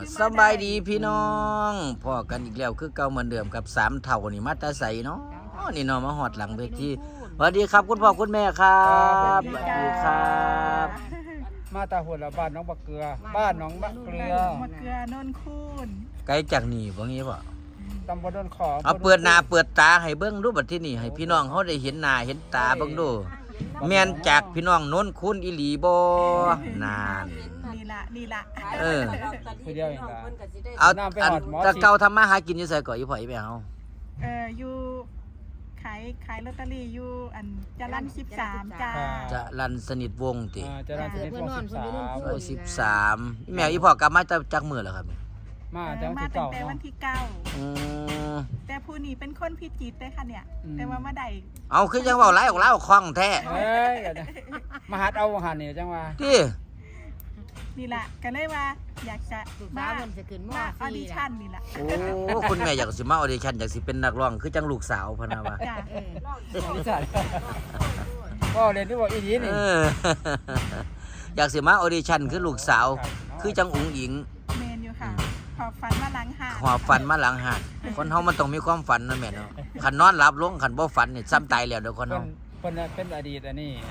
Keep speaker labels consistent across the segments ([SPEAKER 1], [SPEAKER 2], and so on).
[SPEAKER 1] สบายดีพี่น้องพอกันอีกแล้วคือเก่าเหมือนเดิมกับสามเท่านี่มาตาใสเนาะนี่เนาะมาหอดหลังเวทีสวัสดีครับคุณพ่อคุณแม่ครับสวัสดีครับ
[SPEAKER 2] มาตาหัวละบ้านน้องบักเกลือ บ้านน้องบักเกลือ
[SPEAKER 3] มะเกลือนนคูน
[SPEAKER 1] ไกลจากนี่บ่งี้บ่
[SPEAKER 2] ตำบลดอนขอ
[SPEAKER 1] เอาเปิดหน้าเปิดตาให้เบิ่งดูบัดที่นี่ให้พี่น้องเฮาได้เห็นหน้าเห็นตาเบิ่งดูแม่นจากพี่น้องโน้นคุณอีหลีบ่นาน
[SPEAKER 3] นี่ละ
[SPEAKER 2] คือเดียวเองล่ะ
[SPEAKER 1] เอา
[SPEAKER 2] น้ำไป
[SPEAKER 1] อัน
[SPEAKER 2] หอดหมอ
[SPEAKER 1] แตะเก่าทำมาหากินอยู่ไสก่อนอีพ่ออีแม่เฮา
[SPEAKER 3] อยู่ขายลอตเตอรี่อยู่อันจรัญ13จ้า
[SPEAKER 1] จะรันสนิทวงศ์ติ
[SPEAKER 2] จะรันสนิทวงศ์
[SPEAKER 1] 13แม่อีพ่อกลับมาจากมื้อแล้วครับ
[SPEAKER 2] มาแต่วัน
[SPEAKER 3] มา
[SPEAKER 2] ที่
[SPEAKER 3] ตั้
[SPEAKER 2] เก้าง
[SPEAKER 3] แต่วัน
[SPEAKER 2] เนาะ
[SPEAKER 3] ที่
[SPEAKER 1] อืม
[SPEAKER 3] 9แต่ผู้นี้เป็นคนพิจิตรเลยค่ะเนี่ย แต่ว่ามาได้
[SPEAKER 1] เอาคือจังเว้าหลายออกลาวคล่องแท้
[SPEAKER 2] เฮ้ยมาหัดเอาหันนี่จังว่า
[SPEAKER 1] ที่
[SPEAKER 3] นี่ละก็เลยว่าอยากจะ
[SPEAKER 4] ศึก
[SPEAKER 3] มา
[SPEAKER 4] ษาเพิ่นสิขึ้นม
[SPEAKER 3] มาออดิ
[SPEAKER 4] .4
[SPEAKER 3] ชั่นนี่ละ
[SPEAKER 1] โอ้คุณแม่อยากสิมาออดิชั่นอยากสิเป็นนักร้องคือจังลูกสาวพะนะว่า
[SPEAKER 3] จ้า
[SPEAKER 2] อีสานก็เรียนที่บอกอีนี้นี่
[SPEAKER 1] เออ อยากสิมาออดิชั่นคือลูกสาว คือจังอุ๋งอิง
[SPEAKER 3] เมนอยู่ค่ะขอบฟันมาหลังหา
[SPEAKER 1] หอบฝันมาหลังหาดคนเฮามันต้องมีความฝันนะแม่เนาะคันนอนหลับลงคันบ่ฝันนี่ซ้ำตายแล้วเด้อคน
[SPEAKER 2] เพิ่
[SPEAKER 1] เฮาน
[SPEAKER 2] เพิ่นเป็นอดีตอันนี้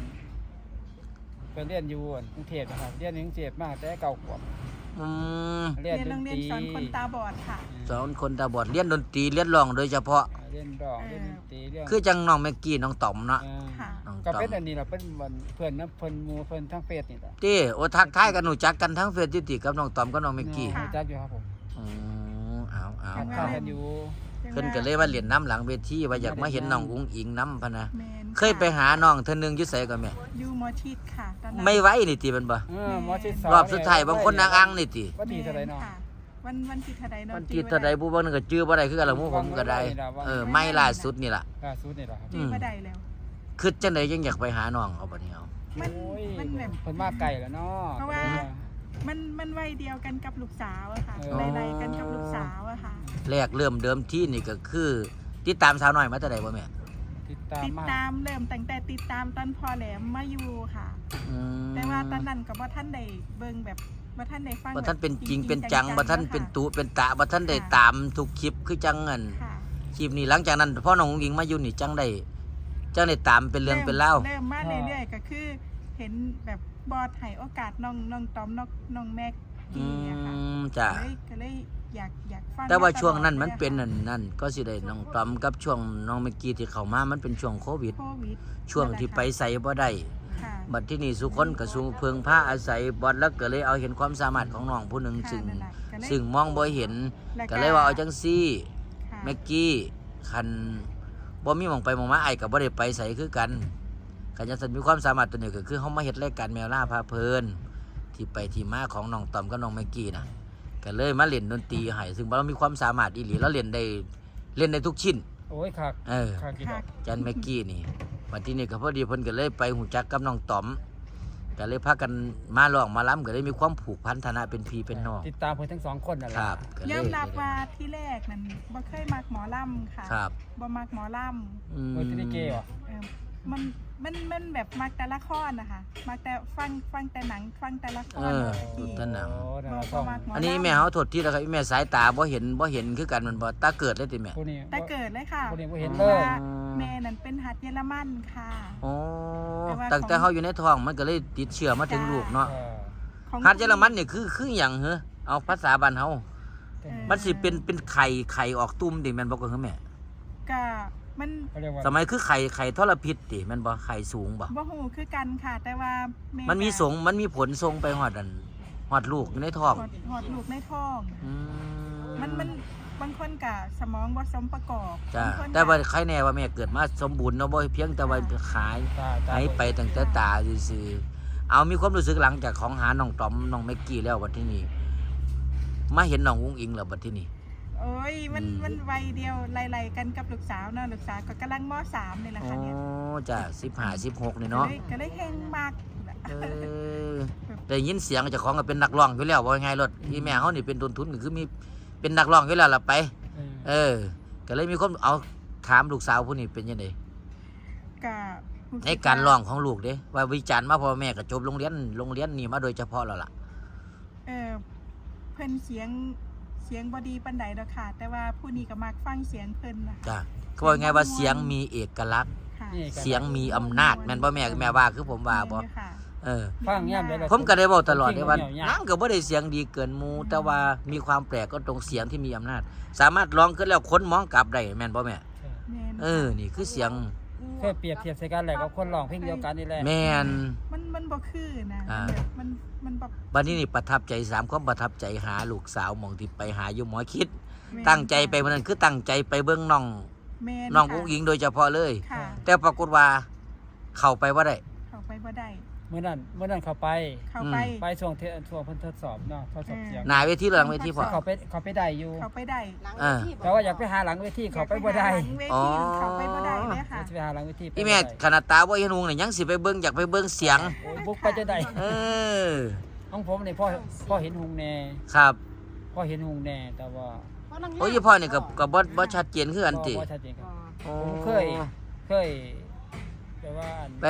[SPEAKER 2] เป็นเรียนอยู่กรุงเทพนะครับเรียนอยู่กรุงเทพมาแต่เก่าขวบ
[SPEAKER 1] อืม
[SPEAKER 2] เรียน
[SPEAKER 3] เรียน
[SPEAKER 2] ด
[SPEAKER 3] โร
[SPEAKER 2] น
[SPEAKER 3] งเรี
[SPEAKER 2] ต
[SPEAKER 3] ยน
[SPEAKER 2] รี
[SPEAKER 3] สอนคนตาบอดค่ะ
[SPEAKER 1] สอนคนตาบอดเรียนดนตรีเรียนร้องโดยเฉพาะ
[SPEAKER 2] เรียนร้องเรียนดนตรีเรียน
[SPEAKER 1] คือจังน้องแม็กกี้น้องต๋อมเนาะ
[SPEAKER 3] ค่ะ
[SPEAKER 1] น้อง
[SPEAKER 2] ก็
[SPEAKER 1] ต๋อ
[SPEAKER 2] เป็น
[SPEAKER 1] ม
[SPEAKER 2] อันนี้ล่ะเป็นวันเพื่อนนะเพิ่นหมู่เพิ่นทั้งเฟซนี่ล่ะ
[SPEAKER 1] ติโอ้ทักทายกันหนูจักกันทั้งเฟซติกับน้องต๋อมกับน้องแม็กกี้
[SPEAKER 2] รู้จักอยู่ครับผม
[SPEAKER 1] อืมเอา
[SPEAKER 2] ทักทายกันอยู่
[SPEAKER 1] เพิ่นก็เลยว่าเรียนน้ำหลังเวทีว่าอยากมาเห็นน้องอุ๋งอิงน้ำพะนะ
[SPEAKER 3] แมน
[SPEAKER 1] เคยไปหาน้องเทื่อนึงอยู่ไสก่อนแม่
[SPEAKER 3] อยู่มอชิดค่ะตอนนั้น
[SPEAKER 1] ไม่ไหวนี่ติมันบ่
[SPEAKER 2] หมอชิด
[SPEAKER 1] รอบสุดท้ายบางคนนางอังนี่ติ
[SPEAKER 2] วันที่เท่าไหร่เนาะ
[SPEAKER 3] ค่ะวันที่เท่าใดเนาะ
[SPEAKER 1] มันที่เท่าใดผู้บ่นึงก็จื้อบ่ได้คือกันละหมู่ผมก็ได้ไม่ล่าสุดนี่ล่ะ
[SPEAKER 2] ล่าสุดนี่ล่ะครับ
[SPEAKER 3] จีบ่ได้แล้ว
[SPEAKER 1] คือจังได๋ยังอยากไปหาน้องเอาบัดนี้เอา
[SPEAKER 3] มัน
[SPEAKER 2] โอ้ย
[SPEAKER 3] มันแบบ
[SPEAKER 2] เพิ่นมาไกลแล้วเนาะ
[SPEAKER 3] เพราะว่า มันวัยเดียวกันกับลูกสาวอะค่ะไล่ๆกันกับลูกสาวอะค่ะ
[SPEAKER 1] แรกเริ่มเดิมที่นี่ก็คือ ติดตามสาวน้อยมาแต่ใดบ่แม่
[SPEAKER 2] ติดตาม
[SPEAKER 3] ติด
[SPEAKER 2] มา
[SPEAKER 3] ตามเริ่มตั้งแต่ติดตามตอนพอแหลมมาอยู่ค่ะ
[SPEAKER 1] อืม
[SPEAKER 3] แต่ว่าตอนนั้นก็บ่ทันได้เบิ่งแบบบ่ทันได้ฟัง
[SPEAKER 1] บ่ทันเป็นจริงเป็น
[SPEAKER 3] ๆ
[SPEAKER 1] จังบ่ทัน
[SPEAKER 3] ๆ
[SPEAKER 1] เป็น
[SPEAKER 3] ค่ะ
[SPEAKER 1] ตุเป็นตะบ่ทันได้ตามทุกคลิปคือจังอัน
[SPEAKER 3] ค่ะ
[SPEAKER 1] คลิปนี้หลังจากนั้นพ่อน้องอุ๋งอิงมาอยู่นี่จังได้ตามเป็นเรื่องเป็นเล่าว
[SPEAKER 3] เริ่มมาเรื่อยๆก็คือ เห็นแบบบอสให้โอกาสน้องตอมน้องแม็ก
[SPEAKER 1] อื
[SPEAKER 3] กี้อะค่ะ
[SPEAKER 1] มจ้ะ
[SPEAKER 3] ก็เลยอยากฟัง
[SPEAKER 1] แต่ว่า
[SPEAKER 3] ตลอด
[SPEAKER 1] ช่วงนั้นมัน
[SPEAKER 3] ลยอะ
[SPEAKER 1] เป็น
[SPEAKER 3] ค่ะ
[SPEAKER 1] นั่นก็สิได้น้องตอมกับช่วงน้องเมกกี้ที่เข้ามามันเป็นช่วงโควิด
[SPEAKER 3] โควิด
[SPEAKER 1] ช่วงที่ไปใส่บ่ได้
[SPEAKER 3] ค่ะ
[SPEAKER 1] บัดที่นี่สุคนก็สูเพิงผ้าอาศัยบอดแล้วก็เลยเอาเห็นความสามารถของน้องผู้หนึ่ง
[SPEAKER 3] ค่ะ
[SPEAKER 1] ซึ่ง
[SPEAKER 3] นั่นแหละก็เลย
[SPEAKER 1] ซึ่งมองบ่เห็น
[SPEAKER 3] แล้ว
[SPEAKER 1] ก็เลยว่าเอาจังซี่
[SPEAKER 3] ค่ะ
[SPEAKER 1] เมกกี้คันบ่มีหม่องไปหม่องมาไอ้ก็บ่ได้ไปใส่คือกันคันจังซั่นมีความสามารถตัวนี้ก็คือเฮามาเฮ็ดรายการแมวล่าพาเพลินที่ไปที่มาของน้องตอมกับน้องเมกกี้น่ะก็เลยมาเล่นดนตรีให้ซึ่งเรามีความสามารถอีหลีแล้วเล่นได้ทุกชิ้น
[SPEAKER 2] โอ้ยคัก
[SPEAKER 1] เออ
[SPEAKER 2] คักกี่ดอก
[SPEAKER 1] จันเมกกี้นี่วันที่นี่ก็พอดีเพิ่นก็เลยไปหูจักกับน้องต๋อมก็เลยพากันมาร้องมาล้ำก็เลยมีความผูกพันธนะเป็นพี่เป็นน้อง
[SPEAKER 2] ติดตามเพิ่นทั้งสองคนนั่นแห
[SPEAKER 1] ค
[SPEAKER 2] ละ
[SPEAKER 1] รับก็เลย
[SPEAKER 3] ยอมรับว่าที่แรกนั้นบ่เคยมักหมอลำค่ะ
[SPEAKER 1] ครับ
[SPEAKER 3] บ่มักหมอล
[SPEAKER 1] อืม
[SPEAKER 2] เพิ่นที่ได้เกย์ว่ะ
[SPEAKER 3] ำมันแบบมักแต่ละครนะคะมักแต่ฟังแต่หนังฟังแต่ละคร
[SPEAKER 1] ดูท่านหนัง
[SPEAKER 2] โอ้นั่น
[SPEAKER 3] บ่
[SPEAKER 2] ล่ะ
[SPEAKER 3] บ่มักหมอ
[SPEAKER 1] อั
[SPEAKER 3] ลำ
[SPEAKER 1] นนี้แม่เฮาโทษที่แล้วครับแม่สายตาบ่เห็นคือกันมันบ่ตาเกิดเลยติแม่
[SPEAKER 2] ผู้นี้
[SPEAKER 3] แต่เกิดเลยค่ะ
[SPEAKER 2] ผู้นี้บ่เห็น
[SPEAKER 3] พ
[SPEAKER 2] เล
[SPEAKER 3] ราะ
[SPEAKER 2] ย
[SPEAKER 3] ว่าแม่นั่นเป็นหัดเยอรมันค่ะ
[SPEAKER 1] โอ้
[SPEAKER 3] แต่ว่า
[SPEAKER 1] ตั้งแต่เฮาอยู่ในท้องมันก็เลยติดเชื้อมาถึงลูกเนาะ
[SPEAKER 2] เออ
[SPEAKER 3] ของ
[SPEAKER 1] ฮัดเยอรมันนี่คือหยังเหรอเอาภาษาบ้านเฮา
[SPEAKER 2] เออ
[SPEAKER 1] มันสิเป็นไข่ออกตุ้มติแม่นบ่ก็คือแม่
[SPEAKER 3] ก็มัน
[SPEAKER 2] เขาเรียกว่า
[SPEAKER 1] สมัยคือไข่ทรพิษติแม่นบ่ไข่สูงบ่
[SPEAKER 3] บ่ฮู้คือกันค่ะ แต่ว่าแ
[SPEAKER 1] มันมีผลส่งไปฮอดลูกอยู่ในท้อง
[SPEAKER 3] หอดลูกในท้อง
[SPEAKER 1] อื
[SPEAKER 3] มันบางคนก็สมองบ่สมประกอบ
[SPEAKER 1] จ้า
[SPEAKER 3] บงคนก็
[SPEAKER 1] แต่ว่าใครแน่ว่าแม่เกิดมาสมบูรณ์เนาะบ่เพียงแต่ว่าขาย
[SPEAKER 2] ตา
[SPEAKER 1] หายไปตั้งแต่ตาซื่อๆเอามีความรู้สึกหลังจากของหาน้องตอมน้องแม็กกี้แล้วบัดที่นี่มาเห็นน้องอุ้งอิงแล้วบัดที่นี่
[SPEAKER 3] โอ้ยมันวัยเดียวไล่ๆกันกับลูกสาวเนาะลูกสาวก็กำลังม .3 นี่แหละ
[SPEAKER 1] อ๋อ
[SPEAKER 3] ค่ะเนี่ย
[SPEAKER 1] จ้า15 16นี่เนาะ
[SPEAKER 3] ก็เลยแฮงมาก
[SPEAKER 1] เออได้ยินเสียงเจ้าของก็เป็นนักร้องอยู่แล้วว่าไงรถที่แม่เฮานี่เป็นต้นทุนก็คือมีเป็นนักร้องอยู่แล้วล่ะไป เออ ก็เลยมีคนเอาถามลูกสาวผู้นี้เป็นยังไง
[SPEAKER 3] ก็
[SPEAKER 1] ในการร้องของลูกเด้ว่าวิจารณ์มาพ่อแม่ก็จบโรงเรียนนี่มาโดยเฉพาะแล้วล่ะ
[SPEAKER 3] เออเพิ่นเสียงบ่ดีปานใดดอกค่ะ แต่ว่าผู้นี้ก็มักฟังเสียงเพิ่นน่ะ
[SPEAKER 1] จ้ะเขาบอกไงว่าเสียงมีเอกลักษณ์
[SPEAKER 3] ค่ะ
[SPEAKER 2] นี่
[SPEAKER 1] เสียงมีอำนาจแม่นบ่แม่ว่าคือผมว่าบ่
[SPEAKER 3] แม่นอยู่ค่ะ
[SPEAKER 2] ฟังย่ำได้เลย
[SPEAKER 1] ผมก็ได้บอกตลอดเลยว่านางก็บ่ได้เสียงดีเกินหมู่แต่ว่ามีความแปลกก็ตรงเสียงที่มีอำนาจ สามารถร้องขึ้นแล้วคนมองกลับได้แม่นบ่แม่
[SPEAKER 3] แม่น
[SPEAKER 1] นี่คือเสียง
[SPEAKER 2] เพื่อเปรียบเทียบใส่กันแหละกับคนร้องเพลงเดียวกันนี่แหละ
[SPEAKER 1] แม่น
[SPEAKER 3] มันบ่คือนะ
[SPEAKER 1] อ่า
[SPEAKER 3] แบบมันแบบ
[SPEAKER 1] บัดนี้นี่ประทับใจ3ความประทับใจหาลูกสาวหม่องที่ไปหาอยู่หมอคิด
[SPEAKER 3] แม่น
[SPEAKER 1] ตั้งใจไปมื้อนั้นคือตั้งใจไปเบิ่งน้อง
[SPEAKER 3] แม่น
[SPEAKER 1] น้อง
[SPEAKER 3] ค่ะ
[SPEAKER 1] อุ้งอิงโดยเฉพาะเลย
[SPEAKER 3] ค่ะ
[SPEAKER 1] แต่ปรากฏว่าเข้าไปบ่ได้
[SPEAKER 3] เข้าไปบ่ได้
[SPEAKER 2] เมื่อนั้นเขาไป
[SPEAKER 3] เข้าไป
[SPEAKER 2] ไปช่วงเพิ่นทดสอบเนาะทดสอบเสียง
[SPEAKER 1] หน้าเวทีหรือหลังเวทีพ่อ
[SPEAKER 2] เขาไปได้อยู่
[SPEAKER 3] เข้าไปได้
[SPEAKER 2] แต่ว่าอยากไปหาหลังเวทีเขาไปบ่ได้
[SPEAKER 3] หลังเวทีเข้าไปบ่ได้เลยค่ะ
[SPEAKER 2] จะไปหาหลังเวที
[SPEAKER 1] อีแม่ขนาดตาบ่เห็นหุงนี่ยังสิไปเบิ่งอยากไปเบิ่งเสียง
[SPEAKER 2] โอ้ยบุกไปจะได้
[SPEAKER 1] เออ
[SPEAKER 2] ของผมนี่พ่อเห็นหุงแน่
[SPEAKER 1] ครับ
[SPEAKER 2] พ่อเห็นหุงแน่แต่ว่า
[SPEAKER 1] โอ้ยพ่อนี่ก็บ่ชัดเจนคืออันติ
[SPEAKER 2] บ่ชัดเจนครับ
[SPEAKER 1] โอ้
[SPEAKER 2] ผมเคยแต่ว่า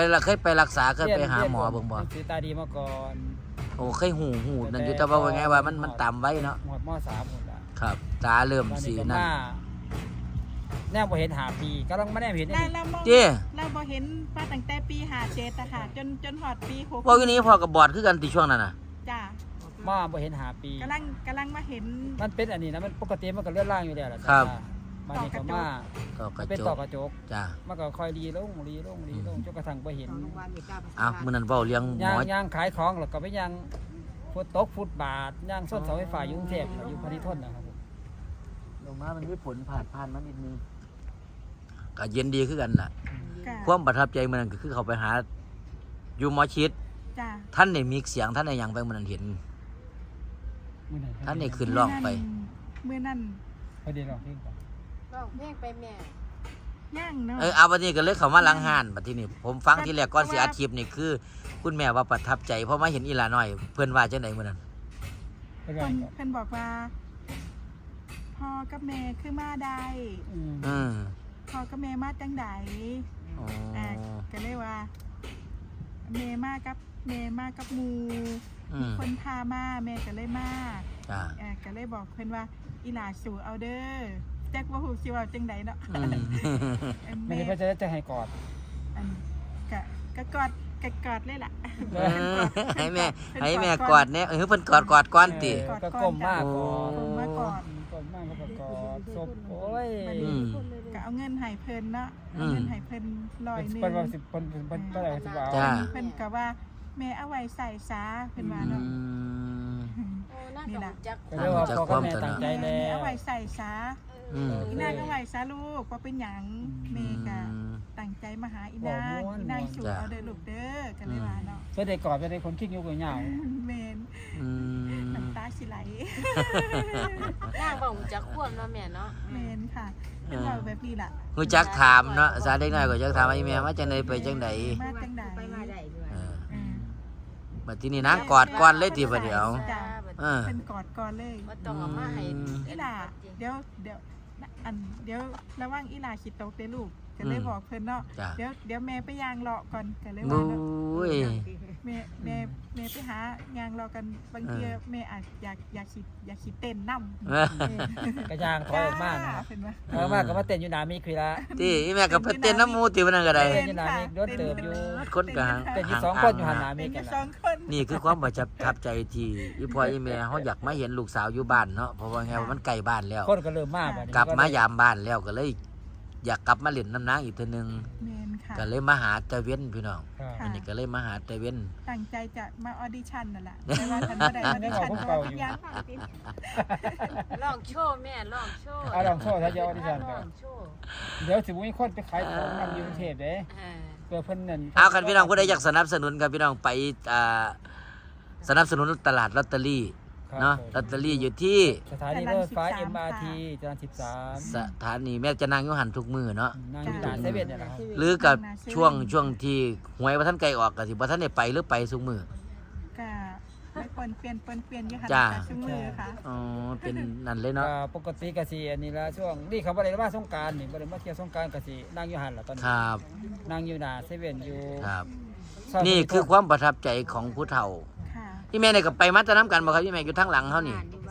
[SPEAKER 1] เคยไปรักษาเคยไปหาหมอเบิ่งบ่
[SPEAKER 2] หนังสือตาดีมาก่อน
[SPEAKER 1] โอ้เคยหูนั่นอยู่แต่ว่าไงว่ามันต่ำไว้เนาะ
[SPEAKER 2] หมดม.3หมดละ
[SPEAKER 1] ครับตาเริ่มสีนั่น
[SPEAKER 2] แนวบ่เห็นหาปีกำลังมาแนวเห็น
[SPEAKER 3] เรามอง
[SPEAKER 1] เจ้
[SPEAKER 3] เราบ่เห็นมาตั้งแต่ปี57อะค่ะจนฮอดปี6
[SPEAKER 1] พวกนี้พ่อกับบอดคือกันติช่วงนั้นน่ะ
[SPEAKER 3] จ้า
[SPEAKER 2] มาบ่เห็นหาปี
[SPEAKER 3] กำลังมาเห็น
[SPEAKER 2] มันเป็นอันนี้นะมันปกติมันก็เลื่อนล่างอยู่แล้วล่ะ
[SPEAKER 1] ครับ
[SPEAKER 2] มานี่ก็มา
[SPEAKER 1] ก็กระ
[SPEAKER 2] เป็น
[SPEAKER 1] จ
[SPEAKER 2] ต่อก กระจก
[SPEAKER 1] จ้า
[SPEAKER 2] มันก็ค่อยรีลงจนกระทั่งบ่เห็น
[SPEAKER 1] อ้าวมื้อนั้นเว้าเรื่องหมอ
[SPEAKER 2] ย่างขายของแล้วก็ไปย่างฟุตบาทย่างส้นเสาไฟฟ้าอยู่กรุงเทพอยู่พานิทนนะครับผม
[SPEAKER 1] ลงมามันมีผลผ่านมานิดนึงก็เย็นดีคือกันน่ะ
[SPEAKER 3] ค่ะ
[SPEAKER 1] ความประทับใจมื้อนั้นก็คือเขาไปหาอยู่หมอชิด
[SPEAKER 3] จ้า
[SPEAKER 1] ท่านได้มีเสียงท่านได้หยังไปมื้อนั้นเห็น
[SPEAKER 2] มื้อนั้น
[SPEAKER 1] ท่านได้ขึ้นร้องไป
[SPEAKER 3] มื้อนั้น
[SPEAKER 2] พอดีร้องเพลงก่อน
[SPEAKER 4] ร้องเพลงไปแม่
[SPEAKER 3] ย่างเนาะ
[SPEAKER 1] เอาบัดนี้ก็เลยเข้ามาหลังห้านบัดทีนี้ผมฟังที่แรกก่อนสิอัดคลิปนี่คือ คุณแม่ว่าประทับใจเพราะมาเห็นอีหลาน้อยเพิ่นว่าจังได๋มื้อนั้น
[SPEAKER 2] ไปก่อน
[SPEAKER 3] เพิ่นบอกว่าพ่อกับแม่คือมาได้
[SPEAKER 1] อืม
[SPEAKER 3] พ่อกับแม่มาจังได
[SPEAKER 1] อ๋อ
[SPEAKER 3] ก็เลยว่าแม่มากับหมู่
[SPEAKER 1] อืม
[SPEAKER 3] คนพามาแม่ก็เลยมา
[SPEAKER 1] จ้า
[SPEAKER 3] ก็เลยบอกเพิ่นว่าอีหลาสู่เอาเด้อจักว่าฮู้สิเว้าจังไดเนาะ
[SPEAKER 1] อืม
[SPEAKER 2] ไม่
[SPEAKER 3] แม่
[SPEAKER 2] ได้เพื่อจะให้กอด
[SPEAKER 3] อันก็กอดเลยล่ะ
[SPEAKER 1] ให้แม่กอดเนี่ยเพิ่นกอดก่อนติ
[SPEAKER 2] ก็ก้มมากกอด
[SPEAKER 3] ก้มมากอด
[SPEAKER 2] ก้มมากก็กอดศพโอ้ย
[SPEAKER 1] อืม
[SPEAKER 3] ก็เอาเงินให้เพิ่นเนาะ
[SPEAKER 1] อื
[SPEAKER 3] เอา
[SPEAKER 1] ม
[SPEAKER 3] เงินให้เพิ่น100นึง
[SPEAKER 2] เป็นว่าสิบเป็นอะไรสิบว่า
[SPEAKER 1] จ้า
[SPEAKER 3] เพิ่นก็ว่าแม่เอาไว้ใส่ซาเพิ่นว่า
[SPEAKER 1] อื
[SPEAKER 3] เนาะ
[SPEAKER 1] ม
[SPEAKER 4] โอ้น่าจะรู้จัก
[SPEAKER 2] ก็เรียกว่าพ่อกับแม่ตั้งใจ
[SPEAKER 3] แม่
[SPEAKER 2] แล้
[SPEAKER 3] เอา
[SPEAKER 2] ว
[SPEAKER 3] ไว้ใส่ซา
[SPEAKER 1] อืม
[SPEAKER 3] อีนางก็ไหวซาลูกว่าเป็นหยังแม่ก็ตั้งใจมาหาอีนางอีนางสู่เอาเด้อลูกเด้อกันเลยว่าเนาะ
[SPEAKER 2] เพื่อได้กอดเพื่อได้คนคิดยุกยาว
[SPEAKER 3] แม่น
[SPEAKER 1] อืม
[SPEAKER 3] น้ำตาสิไหล
[SPEAKER 4] นางบอกรู้จักควมเนาะแม่เนาะ
[SPEAKER 3] แม่นค่ะเป็นเราแบบนี้ล่ะ
[SPEAKER 1] ฮู้จักถามเนาะซาเด็กน้อยก็จักถามว่าอีแม่มาจังไดไปจังได
[SPEAKER 3] มาจังใด
[SPEAKER 4] ไปมาได้ด้วย
[SPEAKER 1] เออ
[SPEAKER 3] อืม
[SPEAKER 1] บัดทีนี้นางกอดก่อนเลยติบัดเดี๋ยว
[SPEAKER 3] จ้ะ
[SPEAKER 1] เออ
[SPEAKER 3] เพิ่นกอดก่อนเลย
[SPEAKER 4] ว่าต้องเอามาให้
[SPEAKER 3] อีหล่าเดี๋ยวระวังอีหล่าสิตกเด้อลูกก็เลยบอกเพิ่นเนาะ
[SPEAKER 1] จ้ะ
[SPEAKER 3] เดี๋ยวแม่ไปยางเลาะก่อนก็เลย
[SPEAKER 1] บุ
[SPEAKER 3] ว่าเนาะ
[SPEAKER 1] ้ย
[SPEAKER 3] แม่ไปหายางรอกันบางทีแม่อาจอยากสิเต้นนำ
[SPEAKER 2] กระยางถอยออกมานะ
[SPEAKER 3] เป็นว่า
[SPEAKER 2] ถอยออกมาก็มาเต้นอยู่หน้ามีคุยละ
[SPEAKER 1] ที่อีแม่ก็ไปเต้นน้ำหมูติมันนั่นก็ได้
[SPEAKER 2] เต้นอยู่หน้ามีโดนเติบอยู่
[SPEAKER 1] คนก็หา
[SPEAKER 2] เต้นอยู่สองคนอยู่หันหน้ามี
[SPEAKER 3] เป็น
[SPEAKER 2] กัน
[SPEAKER 3] สองคน
[SPEAKER 1] นี่คือความประทับใจที่อีพ่ออีแม่เขาอยากมาเห็นลูกสาวอยู่บ้านเนาะเพราะว่าไงว่ามันใกล้บ้านแล้ว
[SPEAKER 2] คนก็เริ่มมาก
[SPEAKER 1] กลับมายามบ้านแล้วก็เลย อยากกลับมาเล่นน้ำนางอีกเทีนึง
[SPEAKER 3] เมนค่ะ
[SPEAKER 1] ก็เลยมาหาตะเว้นพี่น้อง
[SPEAKER 2] ค่ะ
[SPEAKER 1] อันนี้ก็เลยมาหาตะเว้น
[SPEAKER 3] ตั้งใจจะมาออดิชั่นนั่นแหละแต่ว่าฉันไม่ได้ออดิชั่นเพราะว่าทุกอย่างผ่านไป
[SPEAKER 4] ร้องโชว์แม่ร้องโชว์
[SPEAKER 2] เอาลองโชว์ถ้าจะออดิชั่น
[SPEAKER 4] ร้
[SPEAKER 2] กั
[SPEAKER 4] อน งโชว์
[SPEAKER 2] เดี๋ยวสิบุ้ยคนไปขายของนำอยู่กรุงเทพเด้
[SPEAKER 4] อ่า
[SPEAKER 2] เพื่อเพิ่นนั่น
[SPEAKER 1] เอาคันพี่น้องผู้ใดอยากสนับสนุนครับพี่น้องไปสนับสนุนตลาดลอตเตอรี่เนาะลอตเตอรี่อยู่ที่
[SPEAKER 2] สถานีรถไฟ MRT จรัญ13
[SPEAKER 1] สถานีแม่จะนางอยุหันทุกมือเนาะ
[SPEAKER 2] นั่งอยู่ด่านเซเว่นเนี่ยแหละครับ
[SPEAKER 1] หรือกับช่วงที่หวยบ่ทันไกลออกก็สิบ่ทันได้ไปหรือไปซุมือ
[SPEAKER 3] ก็ไม่ปนเปลี่ยนอยู่หัน
[SPEAKER 1] จ้า
[SPEAKER 3] แต่ชั่วมือค่ะ
[SPEAKER 1] อ๋อเป็นนั่นเลยเนาะ
[SPEAKER 2] ปกติก็สิอันนี้ละช่วงนี่เขาบ่ได้มาสงกรานต์นี่บ่ได้มาเที่ยวสงกรานต์ก็สินั่งอยู่หันล่ะตอน
[SPEAKER 1] ค
[SPEAKER 2] นี้
[SPEAKER 1] รับ
[SPEAKER 2] นั่งอยู่หน้าเซเว่นอยู่
[SPEAKER 1] ครับ
[SPEAKER 2] ซย
[SPEAKER 1] นี่คือความประทับใจของผู้เฒ่า
[SPEAKER 3] ค่ะ
[SPEAKER 1] พี่แม่เนี่ยก็ไปมัดจะน้ำกันบ่ครับพี่แม่อยู่ทางหลังเขานี่
[SPEAKER 4] บ้านอยู่บ้าน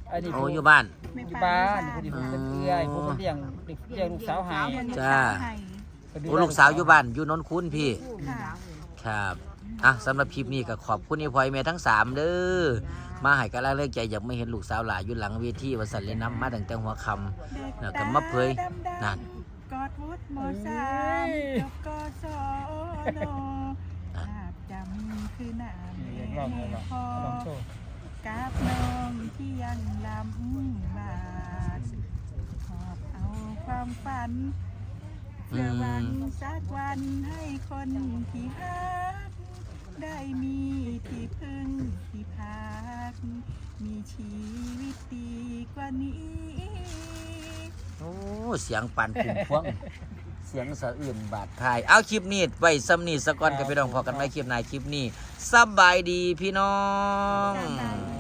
[SPEAKER 2] อันนี้
[SPEAKER 1] โอ้อยู่บ้าน
[SPEAKER 3] แม่
[SPEAKER 2] อยู่
[SPEAKER 3] ป้า
[SPEAKER 2] บ้านนี่คนนี้ผมเป็นเอื้อยผมเลี้ยงลูกสาวให้
[SPEAKER 3] เลี้ยงลูก
[SPEAKER 1] จ้า
[SPEAKER 3] สาวให้
[SPEAKER 1] โอ้ลูกสาวอยู่บ้านอยู่นนท์คุณพี่
[SPEAKER 3] ค่ะ
[SPEAKER 1] ครับอ่ะสำหรับคลิปนี้ก็ขอบคุณอีพอยแม่ทั้ง3เด้อมาให้กำลังใจอยากไม่เห็นลูกสาวหลานอยู่หลังเวทีว่าสั่นเลยน้ำมาตั้งแต่หัวค่ำแล้วก็มาเผยนั่น
[SPEAKER 3] กอดวุฒิม.3 จบกศนภาพจำคือหน้า
[SPEAKER 2] เลี้ยง
[SPEAKER 3] แม่
[SPEAKER 2] ลอง
[SPEAKER 3] พ่อ
[SPEAKER 2] ลองโชว์
[SPEAKER 3] กับน้องที่ยังลำบากขอบเอาความฝันเพื่อหวังสักวันให้คนที่ฮักได้มีที่พึ่งที่พัก มีชีวิตดีกว่านี้
[SPEAKER 1] โอ้เสียงปั่นพุ่มพวง เสียงสะอื่นบาดทายเอาคลิปนี้ไว้ซ้ำนี่สะก่อนกับพี่น้องพอกันไว้คลิปหน้าคลิปนี้สบายดีพี่น้อง
[SPEAKER 3] สบายดี